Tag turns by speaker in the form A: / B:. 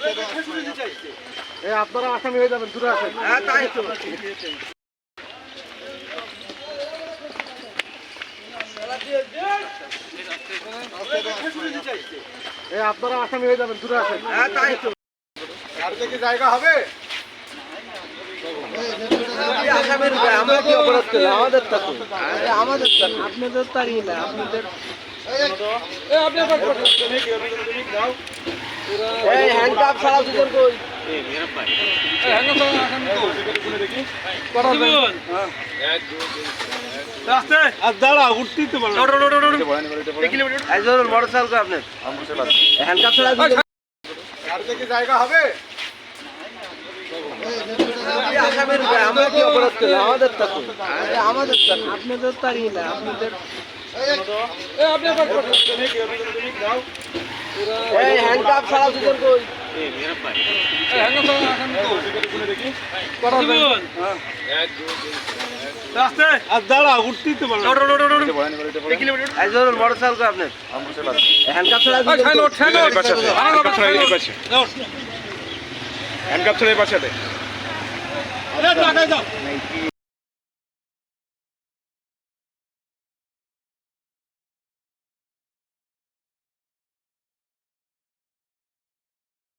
A: আপনারা আসামি হয়ে যাবেন, দূরে আসেন।
B: হ্যাঁ তাই তো।
A: আপনারা আসামি হয়ে যাবেন, দূরে আসেন।
B: হ্যাঁ তাই তো।
A: গাড়িতে কি জায়গা হবে?
B: আসামির আমরা কি অপরাধ করলাম? আমাদের তা তো। আমাদের তা না। আপনাদের তারই না, আপনাদের এই হ্যান্ডকাপ ছাড়া দুজন কই? এই মেরা ভাই। এই হ্যান্ডকাপ ছাড়া আসামি কই? দেখি। করা যাবে। হ্যাঁ। 1 2 3 রাস্তে আর দাঁড়া উঠতেই তো পারো। এই জরুর মোটরসাইকেল কো আপনার? হ্যান্ডকাপ ছাড়া দুজন
A: গাড়িতে কি জায়গা হবে?
B: আসামির আমরা কি অপরাধ করলাম? আমাদের তা তো। আমাদের তা না। আপনাদের তারই না, আপনাদের এই হ্যান্ডকাপ ছাড়া দুজন কই? এই মেরা ভাই। এই হ্যান্ডকাপ ছাড়া আসামি কই? দেখি। করা যাবে। হ্যাঁ। 1 2 3 রাস্তে আর দাঁড়া উঠতেই তো পারো। এই জরুর মোটরসাইকেল কো আপনার? হ্যান্ডকাপ ছাড়া দুজন
A: হ্যান্ডকাপ ছেড়ে পাশে